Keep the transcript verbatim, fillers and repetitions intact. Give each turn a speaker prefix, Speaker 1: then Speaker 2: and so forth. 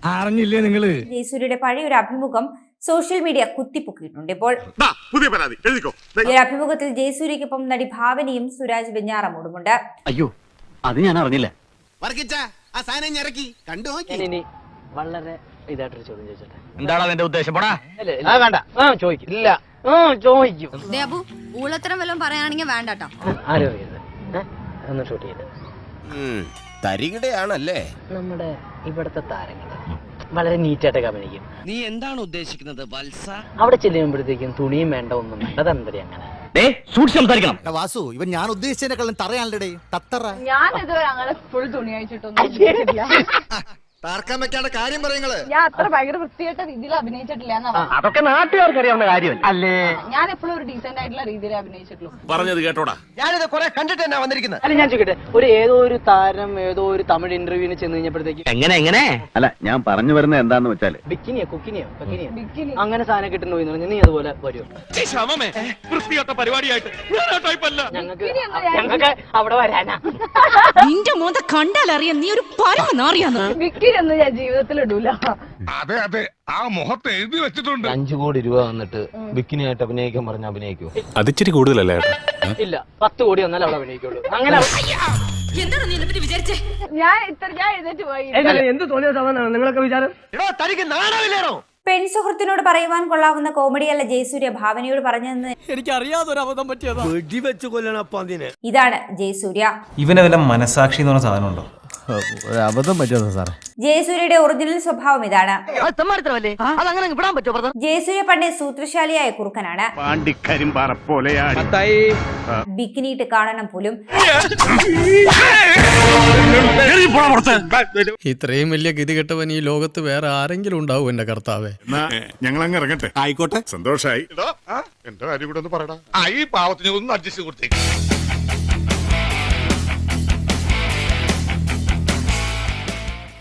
Speaker 1: അറിഞ്ഞില്ലേ നിങ്ങള്?
Speaker 2: ജയസൂര്യയുടെ പഴയ ഒരു അഭിമുഖം സോഷ്യൽ മീഡിയ കുത്തിപ്പൊക്കിയിട്ടുണ്ട്. ഇപ്പോൾ
Speaker 3: പുതിയ പരാതി എഴുതിക്കോ.
Speaker 2: ഈ അഭിമുഖത്തിൽ ജയസൂര്യക്കൊപ്പം നടി ഭാവനയും സുരാജ് വെഞ്ഞാറമൂടുമുണ്ട്.
Speaker 4: അയ്യോ, അത് ഞാൻ അറിഞ്ഞില്ല. വളരെ ഇതായിട്ടൊരു ചോദ്യം ചോദിച്ചോട്ടെ.
Speaker 1: എന്താണ് അതിന്റെ ഉദ്ദേശം? പോടാ.
Speaker 4: വേണ്ട, ചോദിക്കും. ഇല്ല, ചോദിക്കും.
Speaker 5: ഊളത്തരം വല്ലതും പറയാനാണെങ്കിൽ വേണ്ടട്ടോ.
Speaker 4: ആരും അറിയരുത്. ഒന്ന് ഷൂട്ട് ചെയ്ത്
Speaker 6: തരികിടയാണല്ലേ
Speaker 4: നമ്മുടെ ഇവിടുത്തെ താരങ്ങൾ വളരെ നീറ്റായിട്ടൊക്കെ അഭിനയിക്കും.
Speaker 6: നീ എന്താണ് ഉദ്ദേശിക്കുന്നത് വത്സ?
Speaker 4: അവിടെ ചെല്ലുമ്പോഴത്തേക്കും തുണിയും വേണ്ട, ഒന്നും വേണ്ട. അതെന്തരി അങ്ങനെ
Speaker 1: സംസാരിക്കണം.
Speaker 7: വാസു, ഇവൻ ഞാൻ ഉദ്ദേശിച്ചതിനെക്കാളും തറയാണല്ലേ തത്തറ.
Speaker 5: ഞാൻ ഇതുവരെ അങ്ങനെ ഫുൾ തുണി അയച്ചിട്ടൊന്നും
Speaker 7: തർക്കം വെക്കാണ്ട് കാര്യം പറയുന്നത്.
Speaker 5: ഞാൻ അത്ര ഭയങ്കര വൃത്തിയായിട്ട രീതിയിൽ അഭിനയിച്ചിട്ടില്ല.
Speaker 4: അതൊക്കെ നാട്ടുകാർക്ക് അറിയാവുന്ന കാര്യം അല്ലേ?
Speaker 5: ഞാൻ എപ്പോഴും ഒരു ഡീസെന്റ് ആയിട്ടുള്ള രീതിയിൽ അഭിനയിച്ചിട്ടുള്ളൂ.
Speaker 3: പറഞ്ഞത് കേട്ടോടാ.
Speaker 7: ഞാനിത് കുറെ കണ്ടിട്ട് തന്നെ വന്നിരിക്കുന്നത്.
Speaker 4: അല്ല, ഞാൻ ചോദിക്കട്ടെ, ഒരു ഏതോ ഒരു താരം ഏതോ ഒരു തമിഴ് ഇന്റർവ്യൂവിന് ചെന്ന് കഴിഞ്ഞപ്പോഴത്തേക്ക്
Speaker 1: എങ്ങനെ എങ്ങനെ
Speaker 8: അല്ല, ഞാൻ പറഞ്ഞു വരുന്നത് എന്താന്ന് വെച്ചാല്
Speaker 4: ബിക്കിനിയോ കുക്കിനിയോ ബിക്കിനിയോ
Speaker 5: ബിക്കിനി
Speaker 4: അങ്ങനെ സാധനം കിട്ടുന്നു പോയി പറഞ്ഞു. നീ അതുപോലെ വരുമോ?
Speaker 3: വൃത്തിയായിട്ട പരിപാടിയായിട്ട്
Speaker 4: ഞങ്ങൾക്ക് ഞങ്ങൾക്ക് അവിടെ വരാനാ.
Speaker 9: നിന്റെ മോന്ത കണ്ടാലറിയാം നീ ഒരു പരമനാറിയാന്ന്.
Speaker 5: ബിക്കിനി ഒന്നും ഞാൻ ജീവിതത്തിൽ ഇടൂല.
Speaker 3: അതെ അതെ, ആ മുഖത്ത് എഴുതി വെച്ചിട്ടുണ്ട്.
Speaker 6: അഞ്ചു കോടി രൂപ വന്നിട്ട് ബിക്കിനി ആയിട്ട് അഭിനയിക്കാൻ പറഞ്ഞ അഭിനയിക്കൂ?
Speaker 8: അതിച്ചിരി കൂടുതലല്ലേ?
Speaker 4: ഇല്ല, പത്ത് കോടി വന്നാലും അവിടെ അഭിനയിക്കുള്ളൂ. അങ്ങനെ
Speaker 9: എന്താണ് നീ എന്നെ വിചാരിച്ചേ?
Speaker 5: ഞാൻ ഇത്ര ഞാൻ എഴുന്നേറ്റ് പോയി.
Speaker 4: എന്ത് തോന്നിയ സാധനമാണ് നിങ്ങളൊക്കെ വിചാരം?
Speaker 7: തനിക്ക് നാണമില്ലേണോ?
Speaker 2: പെൺ സുഹൃത്തിനോട് പറയുവാൻ കൊള്ളാവുന്ന കോമഡിയല്ല ജയസൂര്യ ഭാവനയോട് പറഞ്ഞതെന്ന്
Speaker 1: എനിക്ക് അറിയാതൊരു അബദ്ധം പറ്റിയതാ.
Speaker 7: വെടിവെച്ച് കൊല്ലണപ്പ അതിനെ.
Speaker 2: ഇതാണ് ജയസൂര്യ.
Speaker 10: ഇവനെ വല്ല മനസാക്ഷി എന്ന് പറഞ്ഞ സാധനം ഉണ്ടോ?
Speaker 8: അബദ്ധം പറ്റിയതാ സാറേ.
Speaker 2: ജയസൂര്യയുടെ ഒറിജിനൽ സ്വഭാവം ഇതാണ്.
Speaker 4: അതങ്ങനെ വിടാൻ പറ്റുമോ?
Speaker 2: ജയസൂര്യ പണ്ടേ സൂത്രശാലിയായ കുറുക്കനാണ്.
Speaker 3: പാണ്ടിക്കരിമ്പാറ പോലെയാണ്.
Speaker 2: ബിക്കിനിയിട്ട് കാണണം പോലും.
Speaker 10: ഇത്രയും വലിയ ഗതികെട്ടവൻ ഈ ലോകത്ത് വേറെ ആരെങ്കിലും ഉണ്ടാവും എന്റെ കർത്താവേ?
Speaker 3: ഞങ്ങൾ അങ്ങ് ഇറങ്ങട്ടെ. ആയിക്കോട്ടെ, സന്തോഷായി. എന്റെ കാര്യം കൂടെ ഒന്ന് പറയടാ. ഈ പാവത്തിന് ഒന്ന് അഡ്ജസ്റ്റ് കൊടുത്തേക്ക്.